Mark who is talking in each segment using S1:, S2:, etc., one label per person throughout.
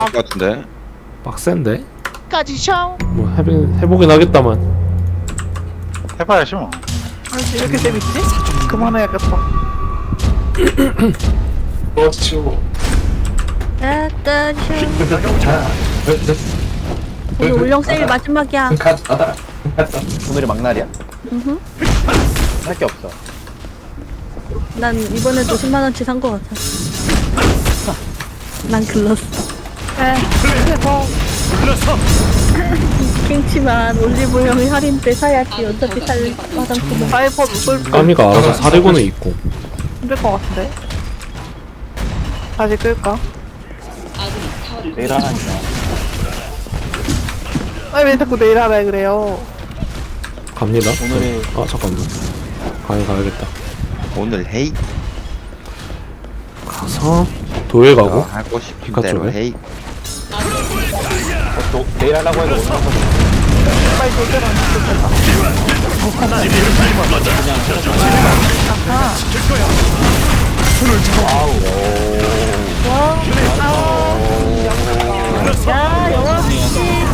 S1: 것 같은데.
S2: 빡센데?
S3: 까지 셔.
S2: 뭐 해보긴 하겠다만.
S4: 해봐야지 뭐.
S3: 아니 이렇게 재밌지? 그만해야겠다.
S5: 그렇죠.
S6: 오늘 울령 세일 마지막이야.
S5: 가자.
S4: 오늘이 막날이야.
S6: 음흠.
S4: 할 게 없어.
S6: 난 이번에도 10만원치 산 거 같아. 난 글렀어.
S3: 네. 그래서
S6: 킹치만 올리브영이 할인 때 사야지. 어차피 살 화장품은.
S3: 사이버 누굴
S2: 까미가 알아서 사리고는 있고.
S3: 힘들 것 같은데. 다시 끌까?
S4: 내일 하나니까.
S3: 아니 왜 자꾸 내일 하라 그래요?
S2: 갑니다.
S4: 오늘이
S2: 아 잠깐만. 가야겠다.
S1: 오늘 헤이.
S2: 가서 도에 가고.
S1: 하고 싶은
S2: 피카츄
S1: 대로
S2: 왜?
S1: 헤이.
S4: 또 내일 하려고 해도 오늘 하거든.
S3: 빨리 돌려라. 야 영화씨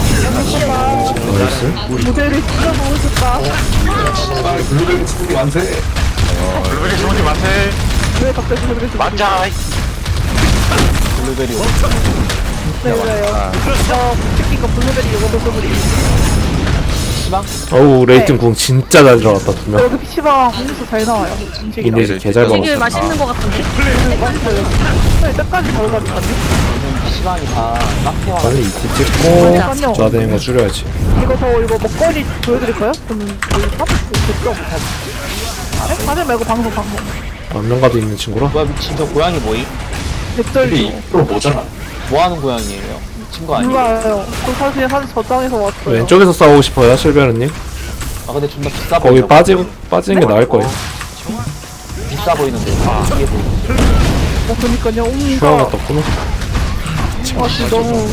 S2: 나이스.
S3: 모델을 진짜 보고 싶다.
S5: 블루베리 스무디 완세.
S4: 블루베리 좋은 일 많대.
S3: 왜 갑자기 그렇게 좀
S4: 맞자. 블루베리.
S3: 왜요? 저 이거 블루베리 요거도 소불이.
S4: 시방?
S2: 어우 레이팅 궁 진짜 잘 들어갔다 두 명.
S3: 여기 PC방 음료수 잘 나와요. 음식이
S2: 이네 개잘
S6: 되게
S2: 먹었어.
S6: 맛있는 거 같은데?
S3: 맛있어요. 네, 때까지 바로 가니까요.
S4: 시방이 다 깍해와.
S2: 빨리 이티 찍고 좌대는 거 줄여야지.
S3: 이거 먹거리 보여드릴까요? 저는 저희 팝 됐죠? 네? 다들 말고 방송.
S2: 안면가도 있는 친구라.
S4: 뭐야 미친 저 고양이 뭐임?
S3: 백절리.
S5: 또 뭐잖아.
S4: 뭐하는 고양이에요? 미친 거 아니에요?
S3: 몰라요. 저 사실 한 저장에서 왔어요.
S2: 왼쪽에서 싸우고 싶어요 실베르님.
S4: 아 근데 존나 비싸
S2: 거기
S4: 보여.
S2: 빠지는 게 나을 거예요.
S4: 비싸 보이는데. 아 이게 뭐.
S3: 그니까요.
S2: 슈아가
S3: 옹이가
S2: 떴구나.
S3: 아 진짜 너무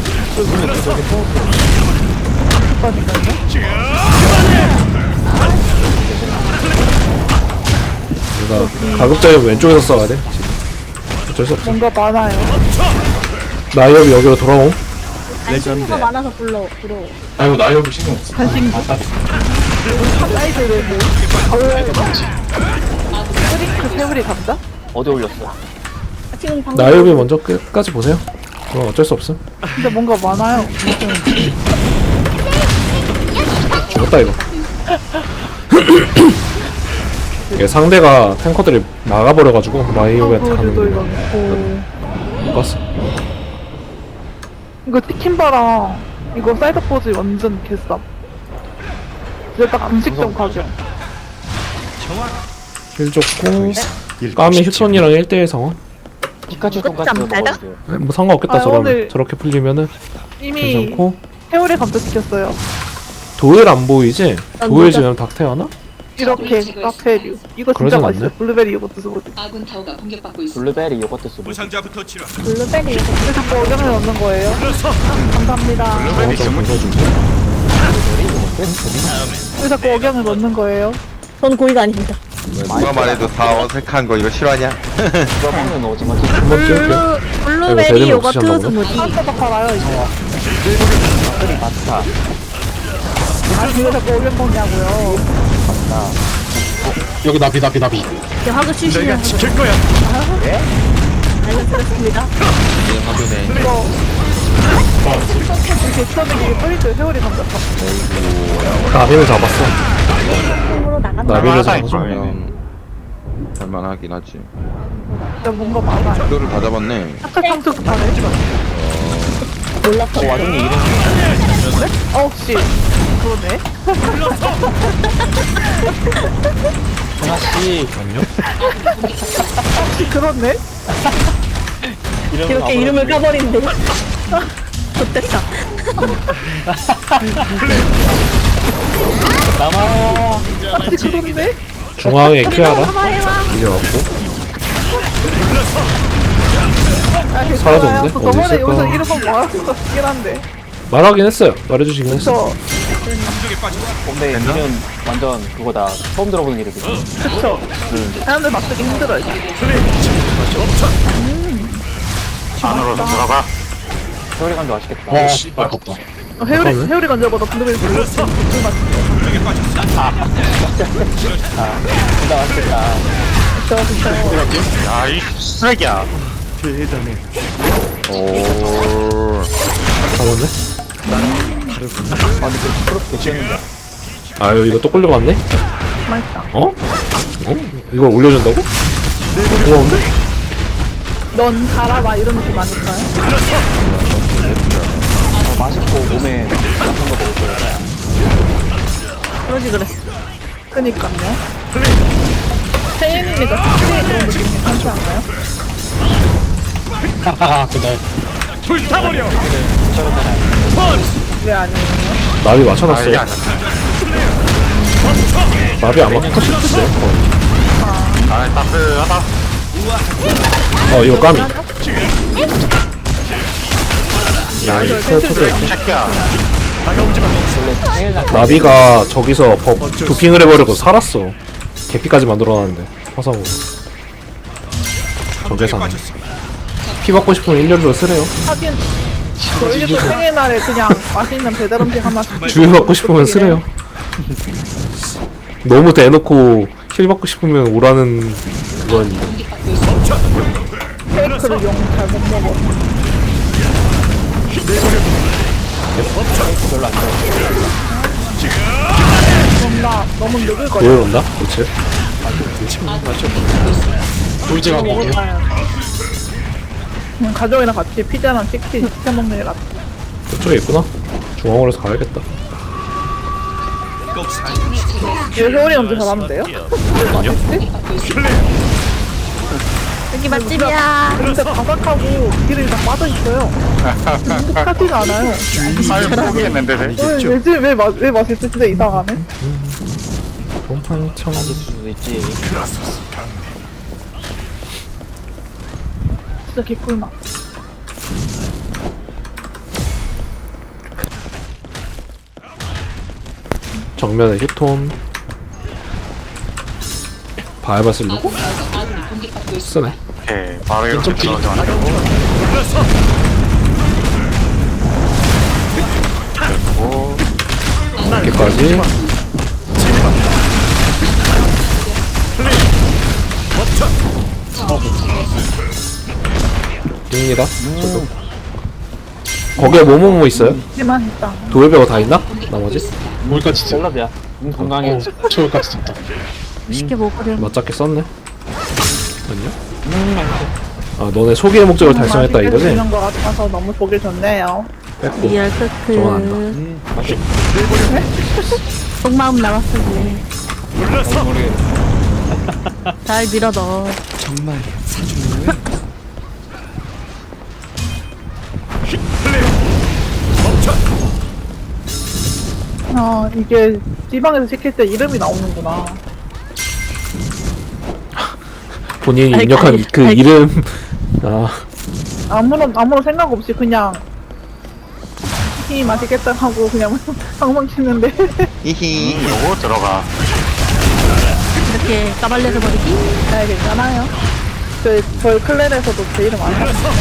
S2: 그러니까 가급적이면 왼쪽에서 싸워야 돼. 어쩔 수 없어.
S3: 뭔가 많아요.
S2: 나이업이 여기로 돌아옴.
S6: 안신호가 많아서 불러.
S5: 아이고 나 여기 신경 없어.
S3: 간신기. 사이즈를 뭐 스링크 세우리 감자?
S4: 어디 올렸어?
S6: 지금 방금
S2: 나이업이 먼저 끝까지 보세요. 그럼 어쩔 수 없음.
S3: 근데 뭔가 많아요.
S2: 죽었다 이거. 이게 상대가 탱커들이 막아버려가지고 나이업한테 가는
S3: 그래도 이거
S2: 거
S3: 있고.
S2: 못 봤어.
S3: 이거 티킨바랑 이거 사이드 포즈 완전 개쌉. 이제 딱 음식점 가격.
S2: 힐 좋고 까미 휴톤이랑 1대1 상황.
S4: 피카츄
S6: 끝장
S4: 돈까스
S6: 달다?
S4: 먹어야 돼요.
S2: 뭐 상관없겠다.
S3: 아,
S2: 저러면
S3: 오늘-
S2: 저렇게 풀리면은
S3: 이미
S2: 괜찮고.
S3: 세월에 감자시켰어요.
S2: 도일 안 보이지?
S6: 난
S2: 도일
S6: 모자-
S2: 지면 닥테하나?
S3: 이렇게 카페류. 이거 진짜
S2: 그러진
S3: 맛있어요.
S2: 않네.
S3: 블루베리 이것도 쓰고.
S7: 아군 타워가 공격받고 있습니다.
S4: 블루베리 요거트 쓰고.
S6: 블루베리
S3: 왜 자꾸 어경을 넣는 거예요? 감사합니다.
S2: 좀 웃어주고.
S3: 왜 자꾸 어경을 넣는 거예요?
S6: 전 고의가 아닙니다.
S1: 누가 말해도 다 어색한 거 이거 싫어하냐?
S4: 이거 먹는 오징어 튀김.
S2: 한번 찍을게요.
S6: 블루베리
S2: 제대로
S6: 요거트
S2: 드셨나 보네.
S6: 스무디.
S3: 파스타 팔아요 이거.
S4: 끓이 파스타.
S3: 아 왜 자꾸 어경 먹냐고요?
S5: 여기 나비.
S6: 이제 화그 쉬시면 알려드렸습니다.
S3: 이거 이렇게 처음에 이게 뿌리죠. 세월이 감자.
S2: 나비를 잡았어.
S6: 으로 나간다.
S2: 나비를
S4: 할만하다,
S2: 잡아서.
S1: 그냥 할만하긴 하지.
S3: 진짜 뭔가 많아요.
S1: 이거를 다 잡았네.
S3: 아까 상투 파네.
S6: 몰랐어.
S4: 와중에 이름
S3: 혹시 그러네.
S4: 하나씩
S3: 혹시 그렇네.
S6: 이렇게 이름을 까버린대. 좋됐다.
S4: 남아.
S3: 혹시 그렇네.
S2: 중앙에 키아라
S6: 해봐.
S2: 이겨갖고.
S3: 아 괜찮아요.
S2: 사라졌는데?
S3: 저
S2: 어디
S3: 저번에
S2: 있을까?
S3: 여기서 이름 말할 것 같긴 한데.
S2: 말하긴 했어요. 말해주시긴 했어.
S3: 저
S4: 근데 이름 완전 그거다. 처음 들어보는 이름이지.
S3: 그쵸. 사람들 맞추기 힘들어요.
S4: 안으로 들어가. 소리 간도 맛있겠다.
S5: 와 씨발 아깝다.
S3: 회오리 간절보다 블루베리 블루
S4: 진짜 맛있겠다.
S7: 야이 쓰레기야.
S1: 오.
S2: 잡았네?
S4: 아, 근데 그 부끄럽게 지었는데.
S2: 아유 이거 또 끌려갔네?
S3: 맛있다.
S2: 어? 어? 이걸 올려준다고? 고마운데?
S3: 넌 살아봐 이런 느낌 아닐까요?
S4: 맛있고 몸에 나쁜 거 먹을 거야.
S3: 그러지 그랬어. 그니까요. 태인이가 스프레이 그런 느낌 괜찮지 않나요?
S5: 하하하 그날.
S3: 왜 아니에요?
S2: 나비 맞춰놨어.
S7: 아 이게 아니야.
S2: 나비 안 맞춰 싶었어요.
S7: 아 따스하다.
S2: 이거 까미. 야,
S3: 이거
S2: 이거 터져.
S7: 새끼야.
S4: 생일날
S2: 나비가 저기서 도핑을 해버리고 살았어. 개피까지 만들어놨는데 화상으로. 저계산. 피 받고 싶으면 1년으로 쓰래요.
S3: 하긴 저희 집 생일날에 그냥 맛있는 배달 음식 하나씩
S2: 주유 받고 싶으면 쓰래요. 너무 대놓고 힐 받고 싶으면 오라는 그건
S3: 케이크를 용 잘 못 먹어.
S4: 별로 안 좋아.
S3: 그럼 나 너무 늦을 거야.
S2: 보여온다? 그치?
S5: 돌제가 먹게.
S3: 가족이랑 같이 피자랑 치킨 시켜 먹는 게 낫다.
S2: 저쪽에 있구나? 중앙으로 해서 가야겠다.
S3: 이거 회오리 언제 잘하면 돼요?
S6: 여기 맛집이야.
S3: 근데 바삭하고 기름이 다 빠져있어요. 행복하지가 않아요.
S7: 아유 모르겠는데.
S3: 왜 맛있지? 진짜 이상하네.
S2: 곰팡청.
S4: 맛있을 수도 있지.
S3: 진짜 개꿀맛.
S2: 정면에 휴톤. 바이바 쓰려고? 쓰네.
S7: 오케이 바로 이렇게 들어가지 않고.
S2: 이렇게까지. 띵이다. 거기에 뭐뭐뭐 있어요?
S3: 하지만 있다.
S2: 도일배가 다 있나? 나머지?
S5: 뭘까지 써?
S4: 셀럽이야. 건강해.
S5: 저까지 썼다.
S6: 쉽게 먹으려.
S2: 맞잡게 썼네. 아니요?
S4: 맛있어.
S2: 아 너네 소비의 목적을 달성했다 이거지?
S3: 이런 거 같아서 너무 보기 좋네요.
S2: 뺐고.
S6: 리얼
S2: 좋아한다.
S6: 크크.
S4: 맛있어.
S6: 속마음 나왔어 이제.
S4: 모르겠어.
S6: 잘 밀어 넣어.
S3: 이게 지방에서 시킬 때 이름이 나오는구나.
S2: 본인이
S6: 아이,
S2: 입력한
S6: 아이,
S2: 그
S6: 아이.
S2: 이름. 아
S3: 아무런 생각 없이 그냥 이 맛있겠다 하고 그냥 방방 치는데
S1: 히히.
S7: 요거 들어가.
S6: 이렇게 까발려서 버리기.
S3: 네, 괜찮아요. 저희 클랜에서도 제 이름 안 나왔어요.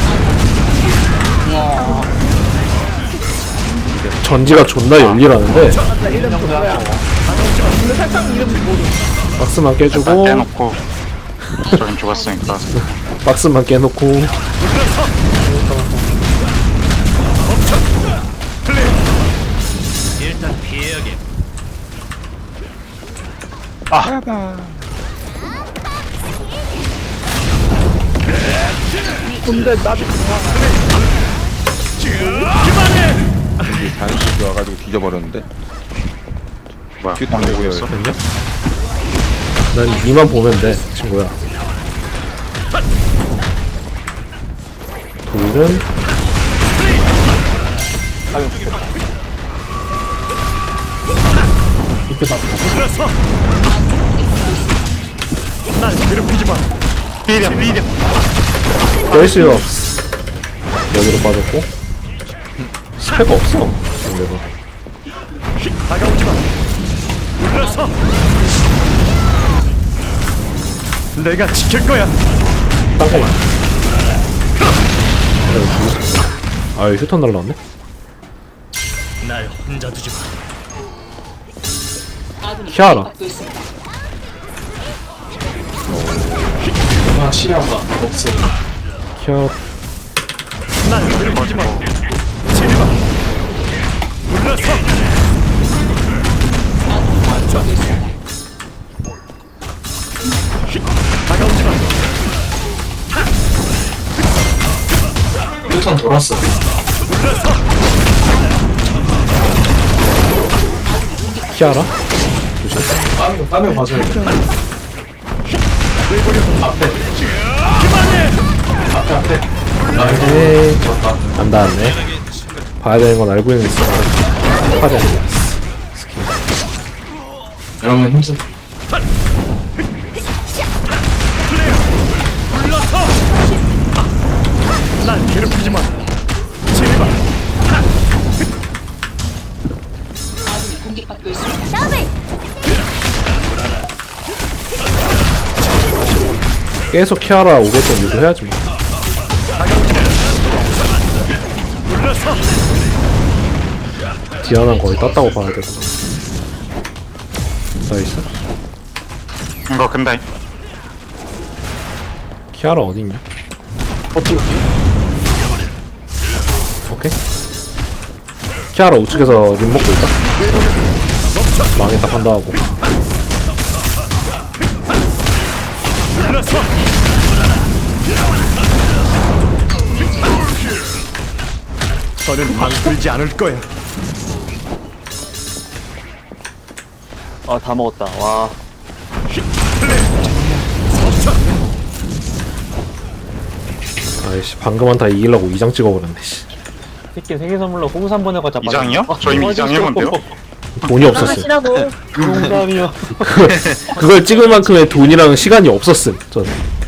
S2: 전지가 존나 열리라는데
S3: 맞아, 이름 누구야? 근데 살짝 이름 모르.
S2: 박스만
S7: 일단
S2: 깨주고
S7: 떼놓고. 저긴 죽었으니까.
S2: 박스만 깨놓고
S3: 근데 나도
S1: 이게 자연스럽게 와가지고 뒤져버렸는데.
S7: 뭐야?
S1: 큐 당구요.
S2: 됐냐? 난 니만 보면 돼 친구야. 돌은
S5: 이렇게 다
S7: 비려 비려.
S2: 뺄수 없어. 여기로 빠졌고 스펙 없어. 근데도
S8: 내가 지킬 거야.
S2: 땅콩. 아유 휴턴 날라왔네.
S8: 날 혼자 두지 마.
S2: 키아라.
S5: 아 시야가 없어.
S2: 키아라.
S8: 날 괴롭히지 마. 제발. 물러서. 다가오지 마.
S5: 휴턴 돌았어.
S2: 키아라.
S5: 빠면 봐줘야 돼. 앞에. 앞에.
S2: 에이. 안 닿았네. 봐야 되는 건 알고 있는 있어. 하지 않냐.
S5: 여러분 힘쓰.
S8: 물러서. 날 괴롭히지 마. 제발.
S2: 계속 키아라 오게끔 유도해야지 뭐.
S8: 물러서.
S2: 디아나는 거의 땄다고 봐야 되고. 나이스.
S7: 이거 근데
S2: 키아라 어딨냐? 오케이. 키아라 우측에서 림 먹고 있다. 망했다 판다하고.
S8: 물러서. 너는 방풀지 않을 거야.
S4: 아, 다 먹었다. 와.
S2: 아이씨 방금 한타 이기려고 2장 찍어버렸네 씨.
S4: 새끼 생일 선물로 홍삼 보내가자.
S7: 2장이요? 저 이미 2장 해본데요?
S2: 돈이 없었음.
S6: 나가시라고.
S4: 홍삼이요.
S2: 그걸 찍을 만큼의 돈이랑 시간이 없었음 전.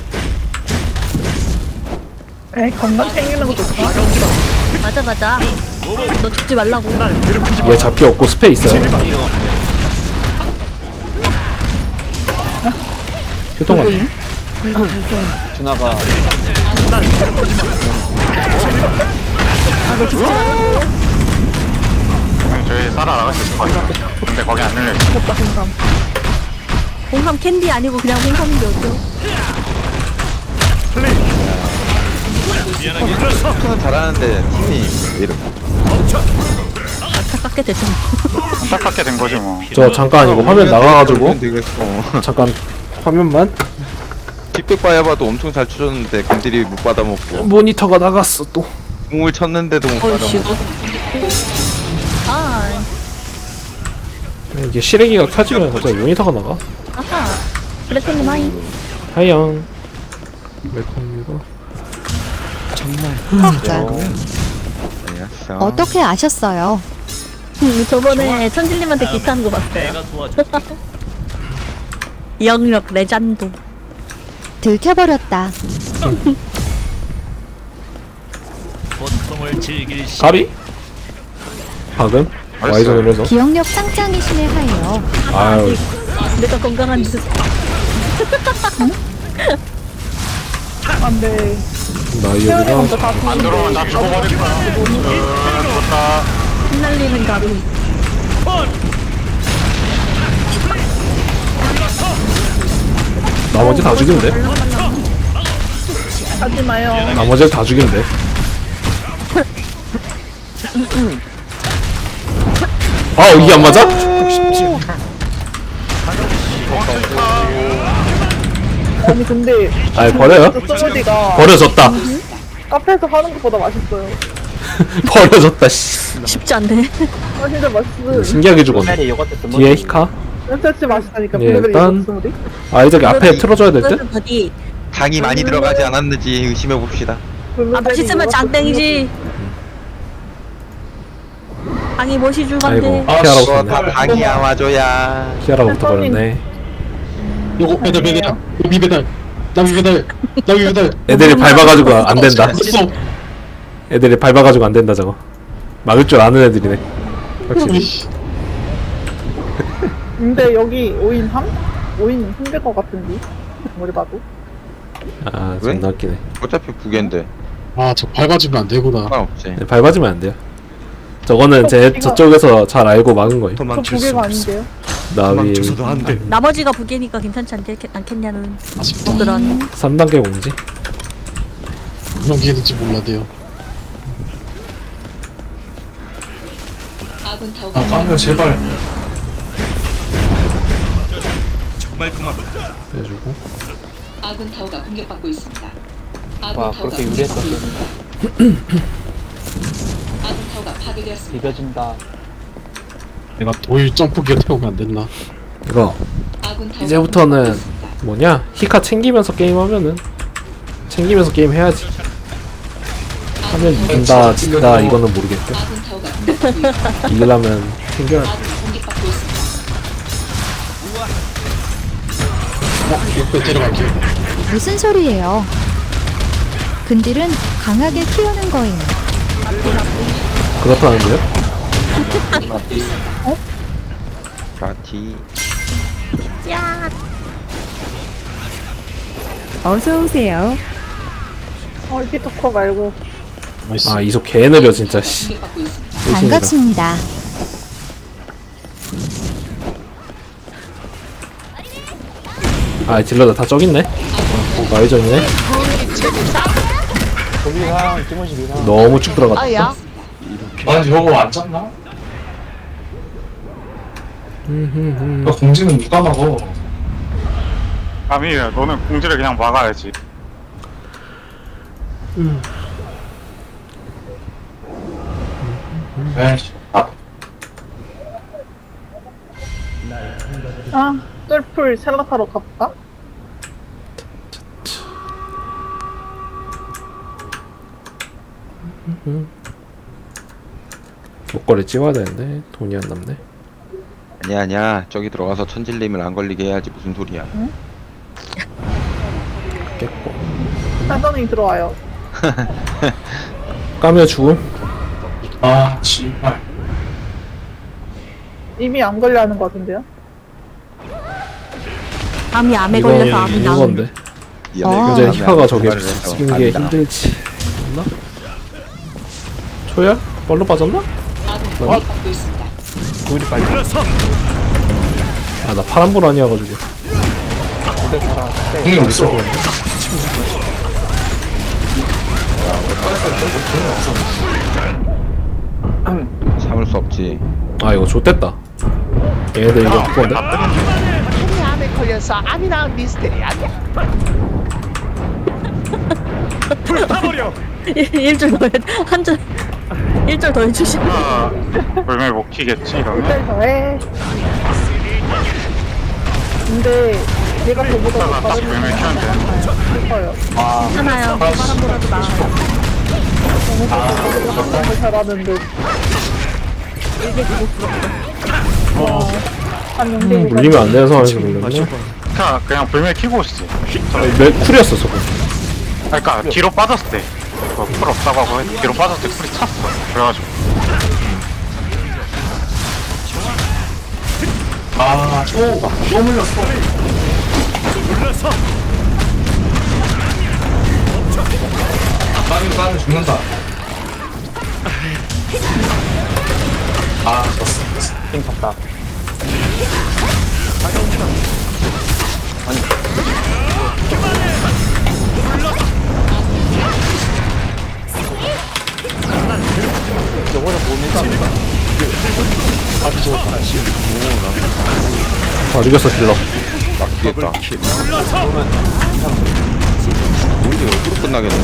S3: 에이, 건강 챙기는 것도 좋다.
S6: 맞아 맞아. 너 죽지 말라고.
S2: 얘 잡기 없고 스페 있어요. 휴통 같네.
S4: 준아가
S7: 저희 살아 나갈 수 있을 것 같아요. 근데 거기 안 열려 있어.
S6: 홍삼 캔디 아니고 그냥 홍삼인데 어때요?
S1: 는 잘하는데 팀이 왜 이렇게
S6: 안타깝게 됐잖아.
S7: 안타깝게 된 거지 뭐.
S2: 저 잠깐 이거 화면 나가가지고
S1: 되겠어.
S2: 잠깐 화면만.
S1: 픽백 봐야봐도 엄청 잘 쳐줬는데 근들이 못 받아먹고
S2: 모니터가 나갔어 또.
S1: 공을 쳤는데도 못 받아먹고.
S6: 아,
S2: 이게 시래기가 켜지면 갑자기 모니터가 나가.
S6: 아하. 블랙팬님 하이.
S2: 하영. 웰컴입니다.
S1: 알았어.
S9: 어떻게 아셨어요?
S6: 저번에 천진님한테 기타하는 거 봤어요.
S8: 내가 도와줄게.
S6: 영역 레전드.
S9: 들켜버렸다.
S8: 고통을 즐길 시.
S2: 가비? 방금? 와이전을 해서.
S9: 기억력 짱짱이시네 하예요.
S2: 아유
S6: 내가 건강한 짓.
S3: 안 돼.
S2: 나
S3: 태연이
S2: 여기가
S3: 먼저 다
S7: 안 들어오면 나 죽어버릴 거야. 죽었다.
S6: 흩날리는 가루.
S2: 나머지 다 죽이면 돼.
S3: 하지 마요.
S2: 나머지 다 죽이면 돼. 아 이게 안 맞아?
S3: 아니, 근데.
S2: 아이 버려요.
S3: 소리가
S2: 버려졌다.
S3: 카페에서 하는 것보다 맛있어요.
S2: 버려졌다 씨.
S6: 쉽지 않네.
S3: 아, 진짜 맛있어요.
S2: 신기하게 죽었네.
S4: 옛날에 요거트 좀
S2: 뒤에 히카.
S3: 진짜 맛있다니까.
S2: 예,
S3: 블루베리
S2: 일단-
S3: 요거트 소리.
S2: 아 저기 앞에 틀어줘야 될 듯?
S6: 어디?
S1: 당이 많이 들어가지 않았는지 의심해 봅시다.
S6: 아
S3: 블루베리
S6: 맛있으면
S3: 요거트
S6: 장땡이지. 당이 멋이 줄
S2: 아이고
S6: 건데.
S5: 아,
S2: 키아라고
S1: 그거
S2: 썼네.
S1: 다 당이야 와줘야.
S2: 키아라고 붙어버렸네.
S5: 요거 배달 배달. 요미 배달. 나미 배달. 나미 배달.
S2: 애들이 밟아가지고 안 된다.
S5: 됐어.
S2: 애들이 밟아가지고 안 된다 저거. 막을 줄 아는 애들이네. 확실히.
S5: 우이씨.
S3: 근데 여기 5인 함? 5인 힘들 것 같은데. 머리 봐도.
S2: 아
S1: 왜?
S2: 존나 웃기네.
S1: 어차피 9개인데.
S5: 아, 저 밟아주면 안 되구나.
S1: 상관없지.
S2: 네, 밟아주면 안 돼요. 저거는 제 저쪽에서 잘 알고 막은 거예요.
S3: 저
S8: 도망칠 수
S3: 부계가
S8: 없어.
S3: 아닌데요?
S2: 나비
S8: 도망쳐서도 안 돼.
S6: 나머지가 부계니까 괜찮지 않겠냐는
S5: 아쉽다.
S6: 분들은
S2: 3단계 공지.
S5: 그런 게 있는지 몰라도요.
S10: 아, 까면 제발.
S8: 정말 고맙다.
S2: 해주고.
S10: 아군 타워가 공격받고 있습니다. 아군
S4: 와,
S10: 타워가
S4: 그렇게 유리했었어.
S10: 아군 타워가 파괴되었습니다.
S4: 비벼진다.
S5: 내가 도일 점프기어 태우면 안 됐나?
S2: 이거
S10: 아군 타워가
S2: 이제부터는
S10: 공격받고 있습니다.
S2: 뭐냐? 히카 챙기면서 게임하면은 챙기면서 게임 해야지. 하면 진다 진다 이거는 모르겠고
S10: 아군 타워가 공격받고 있습니다.
S2: 이기려면 챙겨야 돼.
S10: 아군이 공격받고 있습니다.
S5: 옆에 데려갈게요.
S9: 무슨 소리예요? 근딜은 강하게 키우는 거예요.
S2: 그렇다는데요?
S1: 라티.
S6: 어서 오세요.
S3: 히토커 말고.
S5: 나이스.
S2: 아 이속 개 느려 진짜 씨.
S10: 공격받고 있습니다.
S2: 의심이다.
S9: 반갑습니다.
S2: 아 딜러들 다 저기 있네. 마이전이네.
S4: 조비상, 티모시 비상.
S2: 너무 쭉 들어갔다.
S10: 이렇게 아니 저거 안 짰나?
S7: 공지는 누가 막어? 아미야, 너는 공지를 그냥 막아야지.
S10: 에이씨. 아,
S3: 아, 쫄풀 셀라타로 가볼까?
S2: 목걸이 찍어야 되는데 돈이 안 남네.
S1: 아니야. 저기 들어가서 천질님을 안 걸리게 해야지 무슨 소리야.
S2: 깼고.
S3: 사전이 들어와요.
S2: 까며 죽음.
S10: 아, 씨발.
S3: 이미 안 걸려 하는 것 같은데요?
S6: 암이 암에 걸려서 암이 나오는
S2: 건데. 이제 히카가 저게 쓰는 게 힘들지. 맞나? 초야? 벌로 빠졌나?
S10: 아군이 공격받고 있습니다.
S8: 물러서.
S2: 아 나 파란불 아니어가지고.
S10: 공이 없어.
S1: 참을 수 없지.
S2: 아 이거 좆됐다. 얘네들 이거 그건데?
S11: 암이 암에 걸려서 암이 나온 미스테리 아니야?
S8: 불타버려.
S6: 일줄 더 한줄 일줄 더 해주시면
S7: 아, 불멸 못 키겠지, 이러면?
S3: 일단 더해. 근데 얘가 저보다
S7: 이따가
S3: 더
S7: 딱
S3: 다른
S7: 불멸 키면 되는데.
S3: 싶어요.
S6: 하나요. 바람보라도 나아요.
S3: 너무 잘하는 듯. 한 용대
S2: 물리면 안 되는 상황에서 물렸네.
S7: 그냥 불멸 키고 오시지.
S2: 매 쿨이었어 저거.
S7: 그러니까 뒤로 빠졌을 때. 풀 없다고 하고 뒤로 빠졌을 때 풀이 찼어. 그래가지고.
S10: 아, 또 물렸어.
S8: 물러서.
S10: 까면 죽는다. 아, 졌어.
S4: 띵 탔다. 저거는 뭡니까?
S2: 아 이겼어 딜러.
S1: 막히겠다.
S8: 물러서.
S1: 우리 어디로 끝나겠네.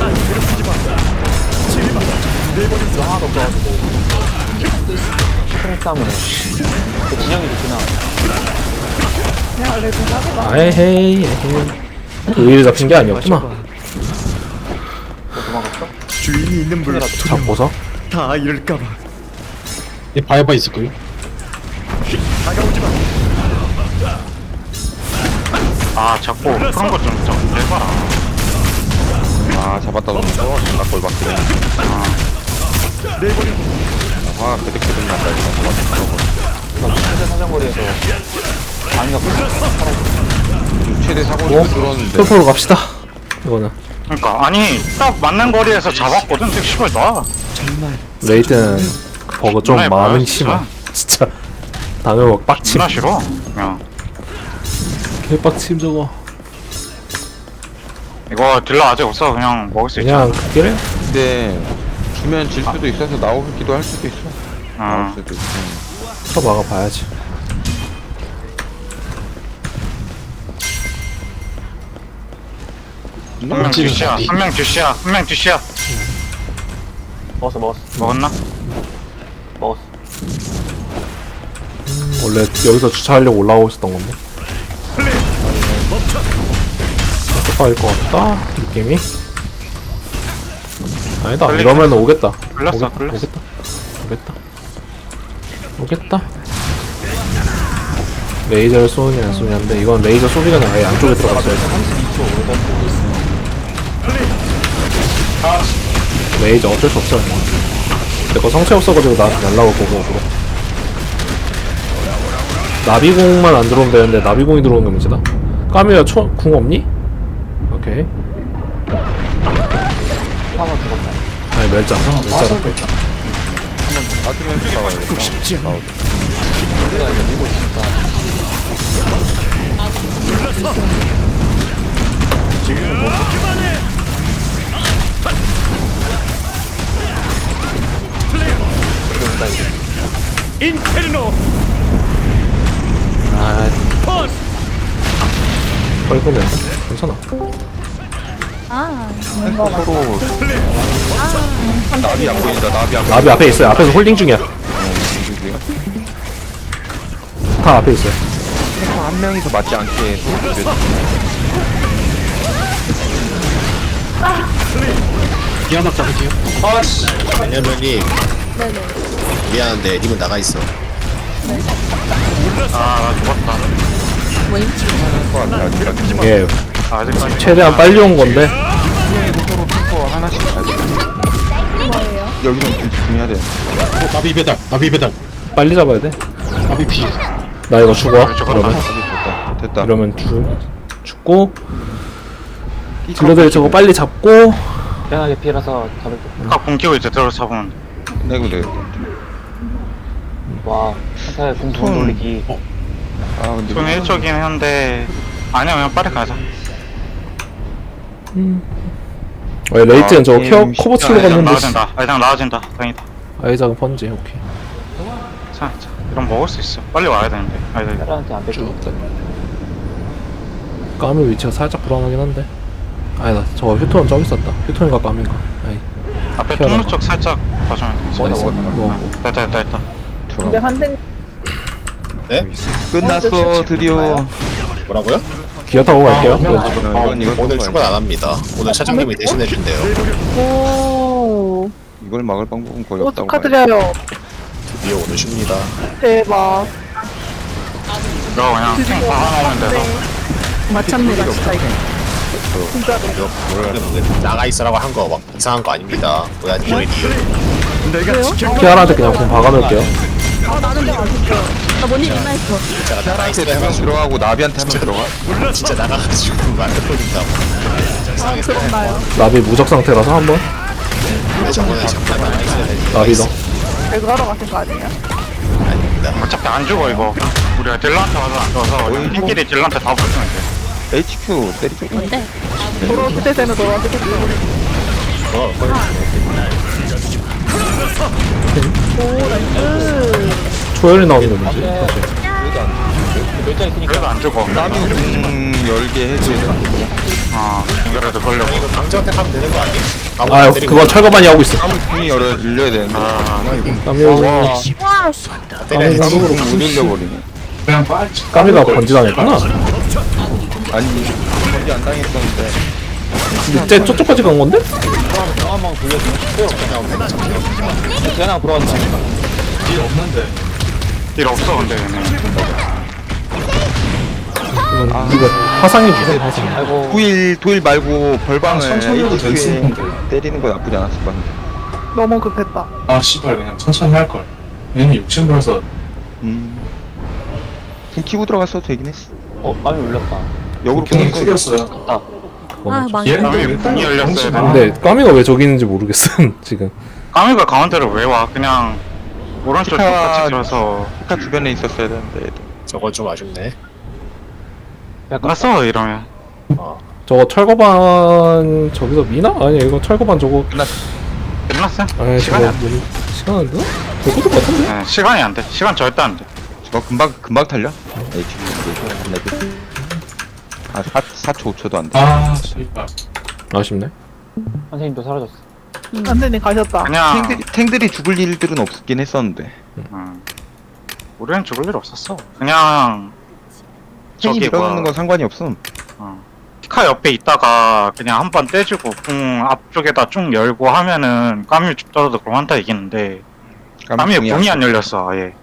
S4: 하나도 없어가지고. 스트레스 싸움은 그 진영이 좋구나.
S3: 그냥 원래 좀 하다가
S2: 아헤이 에헤이. 의리 잡힌 게 아니었구나.
S4: 도망갔어?
S8: 주인이 있는 물로
S2: 잡고서.
S8: 다 잃을까봐.
S5: 얘 바이바 있을걸요?
S8: 다가오지 마.
S7: 아, 자꾸 그런 거좀 해봐라.
S1: 아 잡았다 너무 존나 꼴박히네.
S8: 내버려.
S1: 화가 그득그득 난다 이거.
S4: 현재 사정거리에서 방위가
S1: 최대 사고를 들었는데.
S2: 풀포로 갑시다. 이거는
S7: 그러니까 아니 딱 맞는 거리에서 잡았거든. 되게 씨발 나.
S2: 레이드는 그 버그 좀
S7: 존나
S2: 많은
S7: 해봐요,
S2: 심한 진짜 당연히 빡침
S7: 존나 싫어. 그냥
S2: 개빡침 저거
S7: 이거 딜러 아직 없어. 그냥 먹을 수 있잖아.
S2: 그냥 그게
S1: 근데 주면 질 수도 있어서 나오기도 할 수도 있어. 나올
S7: 어.
S1: 수도 있어.
S2: 쳐 막아봐야지.
S7: 한 명 듀시야. 한 명 듀시야. 한 명 듀시야.
S4: 먹었어
S7: 먹었나?
S4: 먹었어.
S2: 원래 여기서 주차하려고 올라오고 있었던 건데. 똑바일 것 같다 느낌이. 아니다
S7: 걸리네.
S2: 이러면 오겠다.
S7: 걸렸어, 걸렸어.
S2: 오겠다. 레이저를 쏘느냐 안 쏘느냐인데 이건 레이저 소리가 그냥 아예 안쪽에 들어갔어요. 레이저 어쩔 수 없어요. 내거 성체 없어가지고 나한테 날라올 거고 앞으로. 나비공만 안 들어오면 되는데 나비공이 들어오는 게 문제다. 까미야 궁 없니? 오케이. 아니 멸자
S1: 맞으면서 나와요.
S8: 인페르노.
S2: 뻘끔해. 괜찮아.
S1: 서로 나비 안 보인다. 나비 안
S2: 나비 앞에 있어요. 앞에서 홀딩 중이야.
S1: 보이고요.
S2: 다 앞에 있어요.
S1: 한 명이서 맞지 않게
S5: 미안하다 잡을게요.
S4: 왜냐면님 미안한데 님은 나가 있어.
S7: 아, 나 죽었다.
S2: 예.
S7: 아직까지.
S2: 최대한 빨리 온 건데.
S1: 서로 핑거 하나씩 가지고. 여기서 집중해야 돼.
S5: 나비 배달. 나비 배달.
S2: 빨리 잡아야 돼.
S5: 나비 피.
S2: 나 이거 죽어.
S7: 저거
S2: 이러면
S1: 됐다. 됐다.
S2: 이러면 죽고. 딜러들 저거 빨리 잡고.
S4: 편하게 피해라서 잡을게.
S7: 아까 공기고 이제 들어서 잡으면.
S1: 내고 되겠다.
S4: 와 한타에 궁
S1: 손.
S4: 돌리기.
S1: 아 근데
S7: 좀 일적이긴 한데. 아니야, 그냥 빨리 가자.
S2: 왜 레이트는 저거
S1: 게임
S2: 커버
S1: 쉽지
S2: 치러
S1: 않아요.
S2: 갔는데.
S7: 나아진다. 아이장 나아진다. 다행이다.
S2: 아이작은 번지. 오케이.
S7: 자, 이런 먹을 수 있어. 빨리 와야 되는데. 아이들.
S4: 사람한테 안 뺏겨.
S2: 까미 위치가 살짝 불안하긴 한데. 아니다. 저거 휴톤은 저기 있었다. 휴톤인가 까미인가. 아이.
S7: 앞에
S2: 피하다가.
S7: 통로 쪽 살짝 봐주면 돼.
S2: 나이스. 뭐.
S7: 됐다.
S3: 근데 한생
S1: 끝났어 드디어.
S4: 뭐라고요?
S2: 기어 타고 갈게요.
S1: 이건
S4: 오늘 출근 안 합니다. 오늘 차장님이 대신해 준대요.
S3: 오
S1: 이걸 막을 방법은 거의 없다고 봐요.
S3: 축하드려요.
S4: 드디어 오늘 쉽니다.
S3: 대박.
S7: 이거 그냥 탱 박아놓으면 돼서.
S6: 마찬가지다 진짜 이거.
S4: 나가 있으라고 한 거 막 이상한 거 아닙니다. 뭐야 리얼.
S8: 내가 지켜.
S2: 키아라한테 그냥 공 박아놓을게요.
S6: 나는 내가 진짜 나 뭔일 있나 했어.
S4: 제가 나가 있어
S1: 한명
S4: 해가지고
S1: 들어가고 나비한테 한 명 들어가.
S4: 진짜 나가가지고 말을 돌린다고.
S3: 그런가요?
S2: 나비 무적 상태라서 한번.
S4: 근데 저번에 잠깐 나가 있어야 되니까.
S2: 나비 너.
S3: 배그 하러 가신 거 아니에요?
S4: 아닙니다.
S7: 어차피 안 죽어, 이거. 우리가 딜러한테 와서 안 죽어서 팀끼리 딜러한테 다 붙으면 돼.
S1: HQ 때리죠.
S6: 뭔데?
S3: 도로 그때는 돌아가시겠죠. 오 나이스.
S2: 초열이 나오는 게 뭐지?
S7: 그래도 안 죽어.
S1: 나비 열게 해줘.
S7: 아, 그래도 걸려고.
S4: 이거 강제한테 하면 되는 거 아니에요?
S2: 아 그거 철거반이 하고 있어.
S1: 문이 열려야 되는데.
S2: 까미
S4: 때려야 되지.
S1: 못 열려버리네.
S5: 그냥 빨리.
S2: 까미가 번지당했구나.
S1: 아니 거기 안 당했었는데.
S2: 근데 쟤 저쪽까지 간 건데?
S7: 딜 없어, 근데 얘네.
S2: 이거 화상이 주세요. 화상.
S1: 도일 말고 벌방을
S5: 천천히 해도 될 수
S1: HQ에
S5: 있는데.
S1: 때리는 건 나쁘지 않았을 것 같은데.
S3: 너무 급했다.
S5: 아 씨발 그냥 천천히 할 걸. 얘는 욕심부려서.
S1: 좀 키고 들어갔어도 되긴 했어.
S4: 어, 땀이 울렸다.
S1: 역으로
S5: 걔는
S1: 끊는 거.
S5: 쿨이었어요.
S6: 아,
S2: 그거는.
S6: 망했다.
S7: 까미 문이 열렸어야 돼.
S2: 근데 까미가 왜 저기 있는지 모르겠음 지금.
S7: 까미가 가운데로 왜 와? 그냥 오른쪽 똑같이 들어서
S1: 피카 주변에 있었어야 되는데 얘도.
S5: 저거 좀 아쉽네.
S7: 갔어 이러면.
S2: 저거 철거반 저기서 미나? 아니 이거 철거반 저거.
S7: 끝났어?
S2: 아니
S7: 시간이
S2: 저거
S7: 안 돼.
S2: 시간 안 되나? 될 것도 같은데?
S7: 네, 시간이 안 돼. 시간 절대 안 돼.
S1: 저거 금방 탈려? HP 아 4초 5초도 안 돼.
S5: 아, 씨발.
S2: 아쉽네.
S4: 선생님도 사라졌어.
S3: 안되네 가셨다.
S7: 그냥
S1: 탱들이 죽을 일들은 없긴 했었는데.
S7: 우리는 죽을 일 없었어. 그냥
S1: 탱이
S7: 저기
S1: 밀어넣는
S7: 뭐야.
S1: 건 상관이 없음.
S7: 피카 옆에 있다가 그냥 한 번 떼주고 궁 앞쪽에다 쭉 열고 하면은 까미 죽더라도 그럼 한타 이기는데 까미
S1: 궁이
S7: 궁이
S1: 안
S7: 안 열렸어 아예.